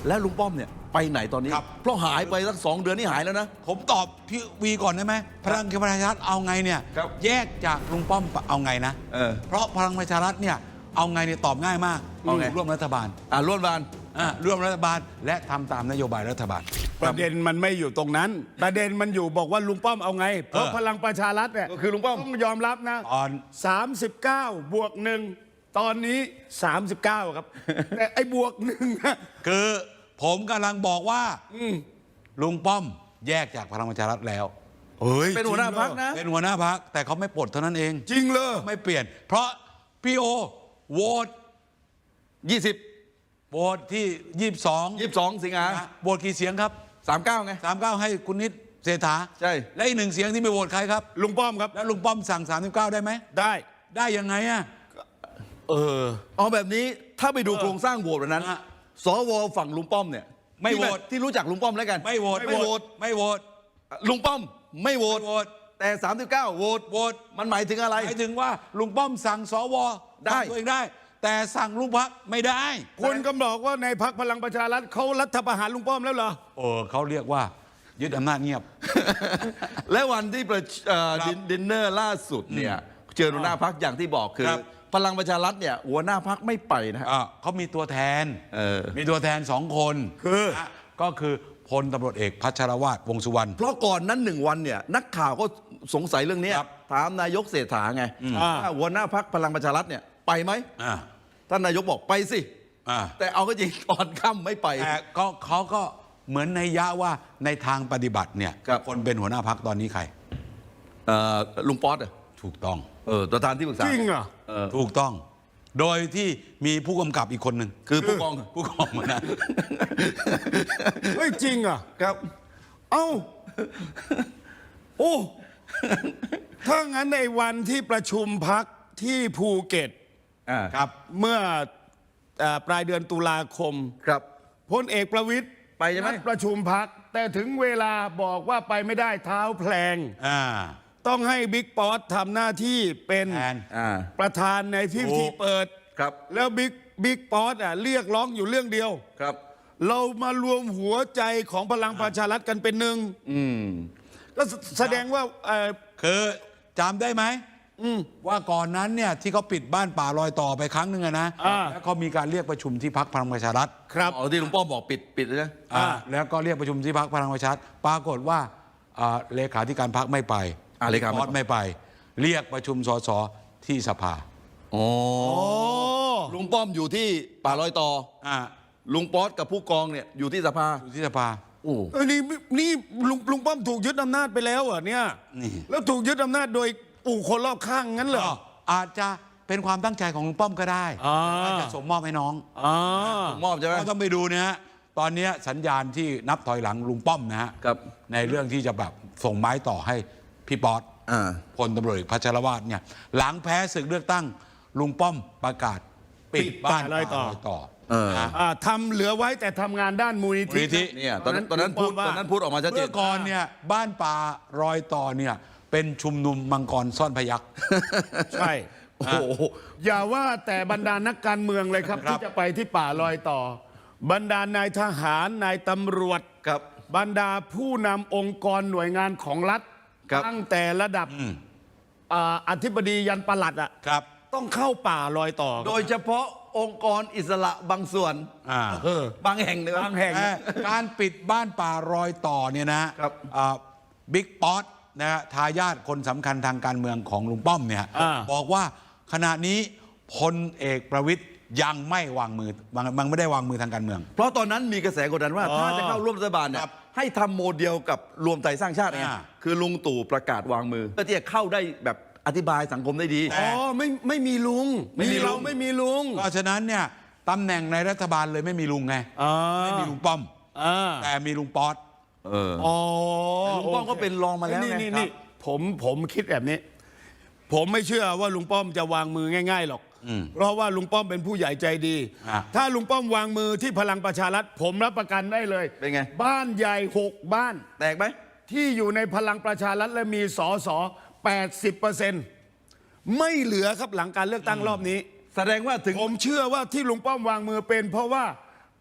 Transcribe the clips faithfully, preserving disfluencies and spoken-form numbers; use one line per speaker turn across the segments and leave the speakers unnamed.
แล้วลุงป้อมเนี่ยไปไหนตอนนี้เพราะหายไปสักสองเดือนนี่หายแล้วนะ
ผมตอบพี่วีก่อนได้ไหมพลังประชารัฐเอาไงเนี่ยแยกจากลุงป้อมเอาไงนะเออเพราะพลังประชารัฐเนี่ยเอาไงเนี่ยตอบง่ายมากเอาไงร่วมรัฐบาล
อ่าร่วมรัฐบาล
อ่าร่วมรัฐบาลและทำตามนโยบายรัฐบาล
ประเด็นมันไม่อยู่ตรงนั้นประเด็นมันอยู่บอกว่าลุงป้อมเอาไงเพราะพลังประชารัฐเนี่ย
คือลุงป้อม
ต้องยอมรับนะตอนสามสิบเก้าบวกหนึ่งตอนนี้สามสิบเก้าครับแต่ไอ้บวกหนึ่ง
คือผมกำลังบอกว่าลุงป้อมแยกจากพลังประชารัฐแล้ว
เป็นหัวหน้าพรรคนะ
เป็นหัวหน้าพรรคแต่เขาไม่ปลดเท่านั้นเอง
จริงเลย
ไม่เปลี่ยนเพราะพี่โอโหวต
ยี่สิบ
โหวตที่ยี่สิบสอง
ยี่สิบสองสิงหา
โหวตกี่เสียงครับ
สามเก้าไง
สามเก้าให้คุณนิดเศรษฐา
ใช่
และอีกหนึ่งเสียงที่ไม่โหวตใครครับ
ลุงป้อมครับ
แล้วลุงป้อมสั่งสามสิบเก้าได้ไหม
ได้
ได้ยังไงอ่ะ
เออเอาแบบนี้ถ้าไปดูโครงสร้างโหวตวันนั้นสวฝั่งลุงป้อมเนี่ย
ไม่โหวต
ที่รู้จักลุงป้อมแล้วกัน
ไม่โหวต
ไม่โหวต
ไม่โหวต
ลุงป้อมไม่โหวตแต่สามสิบเก้าโหวต
โหวต
มันหมายถึงอะไร
หมายถึงว่าลุงป้อมสั่งสว
ได้
ตัวเองได้แต่สั่งลุงพรรคไม่ได้
คุณก็บอกว่าในพรรคพลังประชารัฐเขารัฐประหารลุงป้อมแล้วเหรอ
เออเขาเรียกว่ายึดอำนาจเงียบ
และวันที่ดินเนอร์ล่าสุดเนี่ยเจอหัวหน้าพรรคอย่างที่บอกคือพลังประชารัฐเนี่ยหัวหน้าพรรคไม่ไปนะ
เขามีตัวแทนมีตัวแทนสองคน
คือ
ก็คือพลตำรวจเอกพัชรวาทวงษ์สุวรรณ
เพราะก่อนนั้นหนึ่งวันเนี่ยนักข่าวก็สงสัยเรื่องนี้ถามนายกเศรษฐาไงว่าหัวหน้าพรรคพลังประชารัฐเนี่ยไปไหมท่านนายกบอกไปสิแต่เอาก็จริงตอนค่ำไม่ไป
แต่ก็เขาก็เหมือนในยะว่าในทางปฏิบัติเนี่ยคนเป็นหัวหน้าพรรคตอนนี้ใคร
ลุงป๊อตอ่ะ
ถูกต้อง
เออประธานที่ปรึกษา
จริงเหรอ
ถูกต้องโดยที่มีผู้กำกับอีกคนหนึ่ง
คือผู้กอง
ผู้กองมานะ
เฮ้ยจริงอ่ะ
ครับ
เอ้าโอ้ถ้างั้นในวันที่ประชุมพักที่ภูเก็ต
ครับ
เมื่อปลายเดือนตุลาคม
ครับ
พลเอกประวิตร
ไปใช่ไหม
ประชุมพักแต่ถึงเวลาบอกว่าไปไม่ได้เท้าแพลงต้องให้บิ๊กป๊อตทำหน้าที่เป็นประธานในพิธีเปิด
ครับ
แล้วบิ๊กบิ๊กป๊อตอ่ะเรียกร้องอยู่เรื่องเดียว
ครับ
เรามารวมหัวใจของพลังประชารัฐกันเป็นหนึ่งก็แสดงว่า
คือจำได้ไหมว่าก่อนนั้นเนี่ยที่เขาปิดบ้านป่ารอยต่อไปครั้งหนึ่งนะแล้วเขามีการเรียกประชุมที่พรรคพลังประชารัฐ
ครับอ๋อที่ลุงป้อมบอกปิดปิดเลยนะ
แล้วก็เรียกประชุมที่พรรคพลังประชารัฐปรากฏว่าเลขาธิการพรรคไม่ไป
เลขา
ไม่ไปเรียกประชุมสสที่สภา
อ๋อลุงป้อมอยู่ที่ป่ารอยต่อลุงป๊อตกับผู้กองเนี่ยอยู่ที่สภา
อยู่ที่สภา
โอ้นี่นี่ลุงลุงป้อมถูกยึดอำนาจไปแล้วอ่ะเนี่ยแล้วถูกยึดอำนาจโดยปู่คนรอบข้างงั้นเหรอ
อาจจะเป็นความตั้งใจของลุงป้อมก็ได้อาจจะส่งมอบให้น้อง
ส่งมอบใช่ไหม
ต้องไปดูนะฮะตอนนี้สัญญาณที่นับถอยหลังลุงป้อมนะฮะในเรื่องที่จะแบบส่งไม้ต่อให้พี่ป๊อตพลตำรวจเอกพัชรวาทเนี่ยหลังแพ้ศึกเลือกตั้งลุงป้อมประกาศปิดบ้านรอยต่อ
ทำเหลือไว้แต่ทำงานด้านมูลนิธิ
เนี่ยตอนนั้นตอนนั้นพูดตอนนั้นพูดออกมาชัดเจน
เมื่อก่อนเนี่ยบ้านป่ารอยต่อเนี่ยเป็นชุมนุมมังกรซ่อนพยัคฆ์
ใช่โอ้อย่าว่าแต่บรรดานักการเมืองเลยครับที่จะไปที่ป่ารอยต่อบรรดานายทหารนายตำรวจ
ครับ
บรรดาผู้นำองค์กรหน่วยงานของรัฐตั้งแต่ระดับอธิบดียันปลัดอ่ะต้องเข้าป่ารอยต่อ
โดยเฉพาะองค์กรอิสระบางส่วนบางแห่งเลย
บางแห่ง
การปิดบ้านป่ารอยต่อเนี่ยนะบิ๊กป๊อตนะฮะทายาทคนสำคัญทางการเมืองของลุงป้อมเนี่ยบอกว่าขณะนี้พลเอกประวิตรยังไม่วางมือมันไม่ได้วางมือทางการเมือง
เพราะตอนนั้นมีกระแสกดดันว่าถ้าจะเข้าร่วมรัฐบาลเนี่ยให้ทำโมเดลกับรวมไทยสร้างชาติไงคือลุงตู่ประกาศวางมือเพื่อที่จะเข้าได้แบบอธิบายสังคมได้ดี
อ๋อไม่ไม่มีลุงไม่มีเราไม่มีลุง
เพราะฉะนั้นเนี่ยตำแหน่งในรัฐบาลเลยไม่มีลุงไงไม่มีลุงป้อมแต่มีลุงป๊อต
อ๋อลุงป้อมก็เป็นรองมาแล้วไง
นี่ผมผมคิดแบบนี้ผมไม่เชื่อว่าลุงป้อมจะวางมือง่ายๆหรอกเพราะว่าลุงป้อมเป็นผู้ใหญ่ใจดีถ้าลุงป้อมวางมือที่พลังประชารัฐผมรับประกันได้เลย
เป็นไง
บ้านใหญ่หกบ้าน
แตกไหม
ที่อยู่ในพลังประชารัฐและมีสสแปดสิบเปอร์เซ็นต์ไม่เหลือครับหลังการเลือกตั้งรอบนี้
แสดงว่าถึง
ผมเชื่อว่าที่ลุงป้อมวางมือเป็นเพราะว่า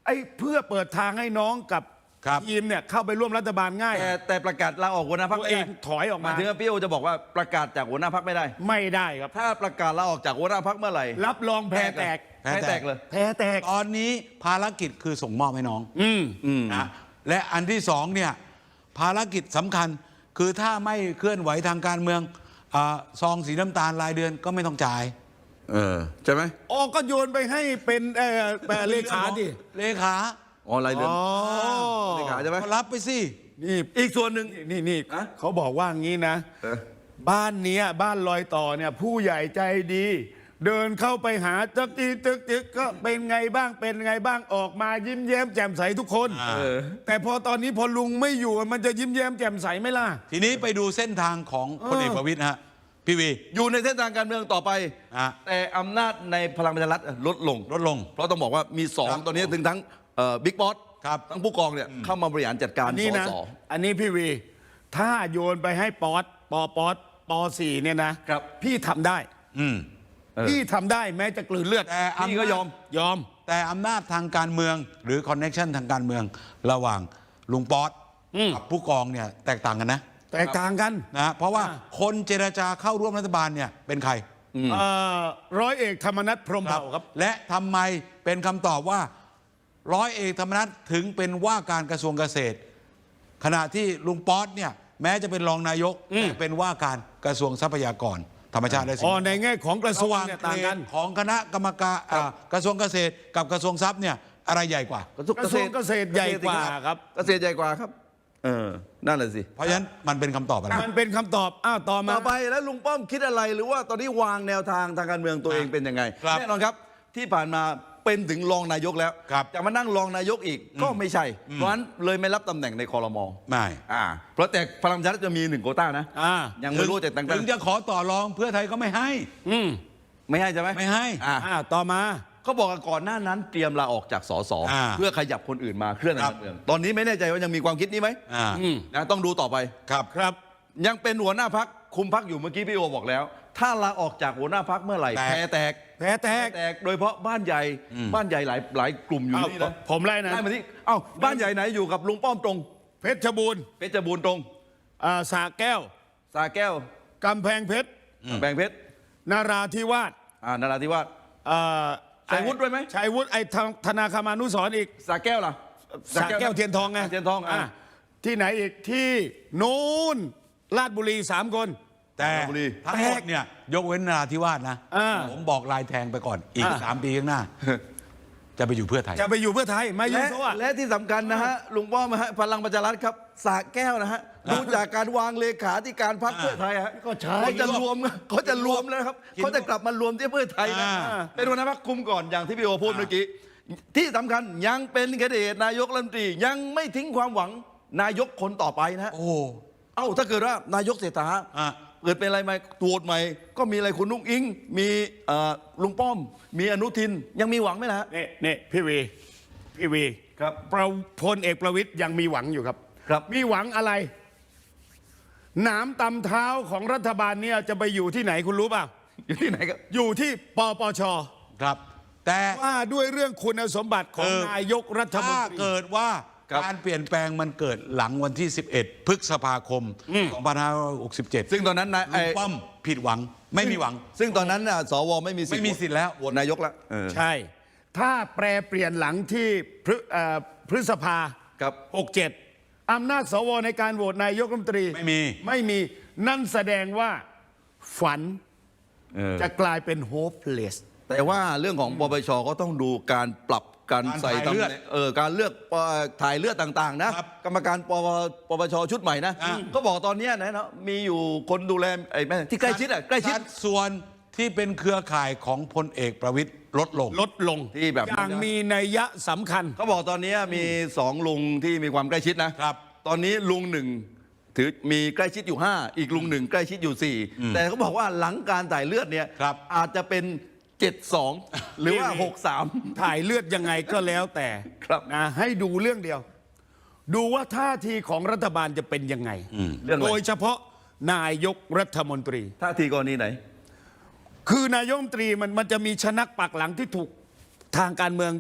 ไอ้เพื่อเปิดทางให้น้องกับ
ครับ
ทีมเนี่ยเข้าไปร่วมรัฐบาลง่าย
แต่แต่ประกาศลาออกหัวหน้าพรรค
ตัวเองถอยออกมา
หมายถึงว่าพี่โอจะบอกว่าประกาศจากหัวหน้าพรรคไม่ได้
ไม่ได้ครับ
ถ้าประกาศลาออกจากหัวหน้าพรรคเมื่อไหร่
รับรองแพ้แตก
แพ้
แพ้
แต
แต
ก
กเลย
แพ้แตก
ตอนนี้ภารกิจคือส่งมอบให้น้อง
อืม
อืม
นะและอันที่สองเนี่ยภารกิจสำคัญคือถ้าไม่เคลื่อนไหวทางการเมืองอาซองสีน้ำตาลรายเดือนก็ไม่ต้องจ่าย
เออใช่ไหม
ออกก็โยนไปให้เป็นเอ่อเอ่อเลขาดิ
เลขา
อ๋อรายเดือน
อ๋อ
เลขาใช่ไหม
ก็รับไปสิ
นี่
อีกส่วนหนึ่ง
นี่นี่
ฮะ
เขาบอกว่างี้นะ
เออ
บ้านเนี้ยบ้านลอยต่อเนี่ยผู้ใหญ่ใจดี เดินเข้าไปหาตึกอีตึกตึกก็เป็นไงบ้างเป็นไงบ้างออกมายิ้มแย้มแจ่มใสทุกคน
อ่า
เออ
แต่พอตอนนี้พอลุงไม่อยู่มันจะยิ้มแย้มแจ่มใสไหมล่ะ
ทีนี้ไปดูเส้นทางของพลเอกประวิตยฮะพี่วี
อยู่ในเส้นทางการเมืองต่อไป
อ่ะ
แต่อำนาจในพลังประชารัฐลดลง
ลดลง
เพราะต้องบอกว่ามีสอง
ครับ
ตอนนี้ถึงทั้งบิ๊กบอส
ครับ
ทั้งผู้กองเนี่ยเข้ามาบริหารจัดการ
อันนี้
ส
นะ
ส
อันนี้พี่วี ถ้าโยนไปให้ป๊อตปอป๊อตปอสี่เนี่ยนะครับ พี่ทำได้
อืม
เออ
พี่ทำได้แม้จะกลืนเลือด
แต่
พี่ก็ยอม
ยอม
แต่อำนาจทางการเมืองหรือคอนเน็ชันทางการเมืองระหว่างลุงป๊อต
อืม
กับผู้กองเนี่ยแตกต่างกันนะ
แตกต่างกัน
นะเพราะว่า
อ่า
คนเจรจาเข้าร่วมรัฐบาลเนี่ยเป็นใคร
เอ่อร้อยเอกธรรมนัฐพรหมเผ่าครับ
และทำไมเป็นคำตอบว่า ร้อยเอกธรรมนัฐถึงเป็นว่าการกระทรวงเกษตร ขณะที่ลุงป๊อตเนี่ยแม้จะเป็นรองนายก
อืม
แต่เป็นว่าการกระทรวงทรัพยากรธรรมชาติและสิ่ง
อ๋อ
แวดล้อม
ในแง่ของกระทรวง
ระหว่าง
เนี่ย
เก
ต่าง
ร
กั
ด
น
ของคณะกรรมการอ่ากระทรวงเกษตรกับกระทรวงทรัพย์เนี่ยอะไรใหญ่กว่า
กระทรวงเกษตรใหญ่กว่าครับ
เกษตรใหญ่กว่าครับ เออ นั่นแหละสิ
เพราะฉะนั้นมันเป็นคำตอบอะไร
มันเป็นคำตอบ อ้าว ต่อมา
ต่อไปแล้วลุงป้อมคิดอะไรหรือว่าตอนนี้วางแนวทางทางการเมืองตัวเองเป็นยังไง
ครับ
แน่นอนครับที่ผ่านมาเป็นถึงรองนายกแล้ว
ครับ
จะมานั่งรองนายกอีกก็ไม่ใช่ เพราะฉะนั้นเลยไม่รับตำแหน่งในคอรมอ
ไม่
อ่าเพราะแต่พลังประชารัฐจะมีหนึ่งโควต้านะ
อ่า
ยังไม่รู้จะแต่งตั้
ถึ
ง
งจะขอต่อรองเพื่อไทยก็ไม่ให้
อืม
ไม่ให้ใช่ไหม
ไม่ให้
อ่า
อ้าว ต่อมา
เขาบอกว่าก่อนหน้านั้นเตรียมลาออกจากสส
อ่า
เพื่อขยับคนอื่นมาเคลื่อนทางการเมืองตอนนี้ไม่แน่ใจว่ายังมีความคิดนี้ไหม
อ่า
อืม
นะต้องดูต่อไป
ครับ
ครับ
ยังเป็นหัวหน้าพักคุมพักอยู่เมื่อกี้พี่โอบอกแล้ว ถ้าลาออกจากหัวหน้าพักเมื่อไหร่
แตก
แพ้แตก
แพ้แตก
แตกโดยเฉพาะบ้านใหญ่บ้านใหญ่หลายหลายกลุ่มอยู่
อ้าว
นี่นะ
ผมไล่นะ
ไล่มาที่เอ้าบ้านใหญ่ไหนอยู่กับลุงป้อมตรง
เพชรบูรณ์
เพชรบูรณ์ตรง
อ่าสระแก้ว
สาแก้ว
กำแพงเพชร
แบงเพชร
นาราธิวาส
อ่านราธิวาส
อ่า
ชัยวุฒิด้วยไหม
ชัยวุฒิไอ้ธธนาคมานุสรณ์อีก
สาแก้วล่ะ
สระแก้วเทียนทองไง
เทียนทองอ่ะ
ะที่ไหนอีกที่นู้นลาดบุรีสามคน
แต่
ราชบุรี
ทั้งหมดเนี่ยยกเว้นนราธิวาสนะ
อ่า
ผมบอกลายแทงไปก่อนอีก
อ่า
สามปีข้างหน้า จะไปอยู่เพื่อไทย
จะไปอยู่เพื่อไทยมาอยู่
และ
โซ่อะ
และที่สำคัญนะฮะลุงป้อมฮะพลังประชารัฐครับสาแก้วนะฮะดูจากการวางเลขาธิการพรรคเพื่อไทยฮะ
ก็ใช่
เขาจะรวมเขาจะรวมแล้วครับ
กิน
เขาจะกลับมารวมที่เพื่อไทยนะ
อ่า
เป็นหัวหน้าพรรคคุมก่อนอย่างที่พี่โอพูดเมื่อกี้ที่สำคัญยังเป็นแคนดิเดตนายกรัฐมนตรียังไม่ทิ้งความหวังนายกคนต่อไปนะฮะ
โอ้
เอ้าถ้าเกิดว่านายกเศรษฐา
อ่ะ
เกิดเป็นอะไรมาตรวจใหม่ ก็มีอะไรคุณนุ้งอิง มีเอ่อลุงป้อม มีอนุทินยังมีหวังไหมล่ะฮะ
นี่นี่พี่วีพี่วี
ครับ
ประพลเอกประวิตยยังมีหวังอยู่ครับ
ครับ
มีหวังอะไร หนามตำเท้าของรัฐบาลเนี่ยจะไปอยู่ที่ไหนคุณรู้เปล่า
อยู่ที่ไหนครับ
อยู่ที่ปปช
ครับ แต่
ว่าด้วยเรื่องคุณสมบัติของ
เออ
นายกรัฐมน
ถ้า
ตรี
เกิดว่า
ครับ
การเปลี่ยนแปลงมันเกิดหลังวันที่ สิบเอ็ด พฤษภาคม สองพันห้าร้อยหกสิบเจ็ด
ซึ่งตอนนั้นนาย
ลุ
ไอ้
งป้อมผิดหวังไม่มีหวัง
ซึ่งตอนนั้นน่ะสวไม่มีสิทธิ์
ไม่มีสิทธิ์แล้ว
โหวตนายกแล้วเออ
ใช่ ถ้าแปรเปลี่ยนหลังที่พฤเอ่อพฤษภา
ครับ
หกเจ็ดอำนาจสวในการโหวตนายกรัฐมนตรี
ไม่มี
ไม่มีนั่นแสดงว่าฝัน
เออ
จะกลายเป็น hopeless
แต่ว่าเรื่องของปปชก็ต้องดูการปรับการ
การ
ใส่
ถ่าย
ตำ
เลื
แห
อด
น่งเออการเลือกปถ่ายเลือดต่างๆ นะครับ กรรมการปปปปชชุดใหม่นะ
อ่า
ก็บอกตอนเนี้ยนะเนาะมีอยู่คนดูแลไอ้แม่ที่ใกล้ชิดอ่ะใกล้ชิด
สัดส่วนที่เป็นเครือข่ายของพลเอกประวิตยลดลง
ลดลง
ที่แบบ
อย่างมีนัยยะสำคัญ
เขาบอกตอนนี้มีสองลุงที่มีความใกล้ชิดนะครับ ตอนนี้ลุงหนึ่งถือมีใกล้ชิดอยู่ห้าอีกลุงหนึ่งใกล้ชิดอยู่สี่แต่เขาบอกว่าหลังการถ่ายเลือดเนี่ย
ครับ
อาจจะเป็นเจ็ดสองหรือว่า
นี่
หกสาม
ถ่ายเลือดยังไงก็แล้วแต่
ครับ
นะให้ดูเรื่องเดียว ดูว่าท่าทีของรัฐบาลจะเป็นยังไง
เรื่องอะไร
โดยเฉพาะนายกรัฐมนตรี
ท่าทีกรณีไหน
คือนายกรัฐมนตรีมันมันจะมีชนักปักหลังที่ถูกทางการเมือง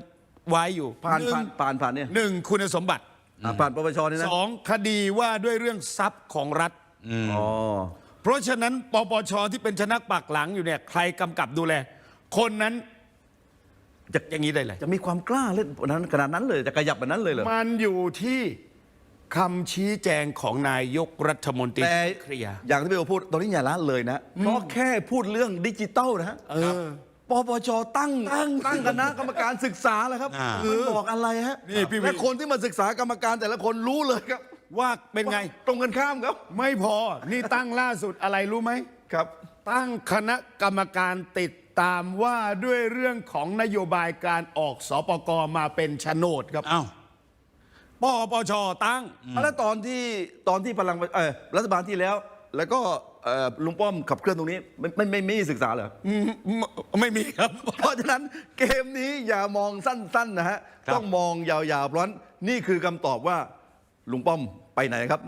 ไว้อยู่
ผ่าน
หนึ่
ผ่าง นผ่านผ่านเนี่ย
หนึ่งคุณสมบัติ
อ่ะผ่านปปชนี่นะ
สองคดีว่าด้วยเรื่องทรัพย์ของรัฐ
อ๋อ
เพราะฉะนั้นปปชที่เป็นชนักปักหลังอยู่เนี่ยใครกำกับดูแล คนนั้นจะอย่างนี้ได้เลย
จะมีความกล้าเล่นนั้นขนาดนั้นเลยจะขยับแบบนั้นเลยเหรอ
มันอยู่ที่คำชี้แจงของนายกรัฐมนตรี
แต่
เคลียร์
อย่างที่พี่โอพูดตอนนี้อย่าละเลยนะเพราะแค่พูดเรื่องดิจิตอลนะฮะ
เออ
ปปชตั้งตั้งคณะกรรมการศึกษาแล้วครับ
อ่า
มันบอกอะไรฮะ
นี่พี่วิ
และคนที่มาศึกษากรรมการแต่ละคนรู้เลยครับ
ว่าเป็นไง
ตรงกันข้ามครับ
ไม่พอ นี่ตั้งล่าสุดอะไรรู้ไหม
ครับ
ตั้งคณะกรรมการติดตามว่าด้วยเรื่องของนโยบายการออกสปกมาเป็นโฉนดครับ
อ้าว
ปปชตั้ง
แล้วตอนที่ตอนที่พลังเออรัฐบาลที่แล้ว แล้วก็เอ่อลุงป้อมขับเคลื่อนตรงนี้ไม่ไม่ไม่ไม่ศึกษาเหรอ
อืมไม่มีครับ
เพราะฉะนั้นเกมนี้อย่ามองสั้นๆนะฮะ
ครับ
ต้องมองยาวๆเพราะฉะนั้นนี่คือคำตอบว่าลุงป้อมไปไหนครับ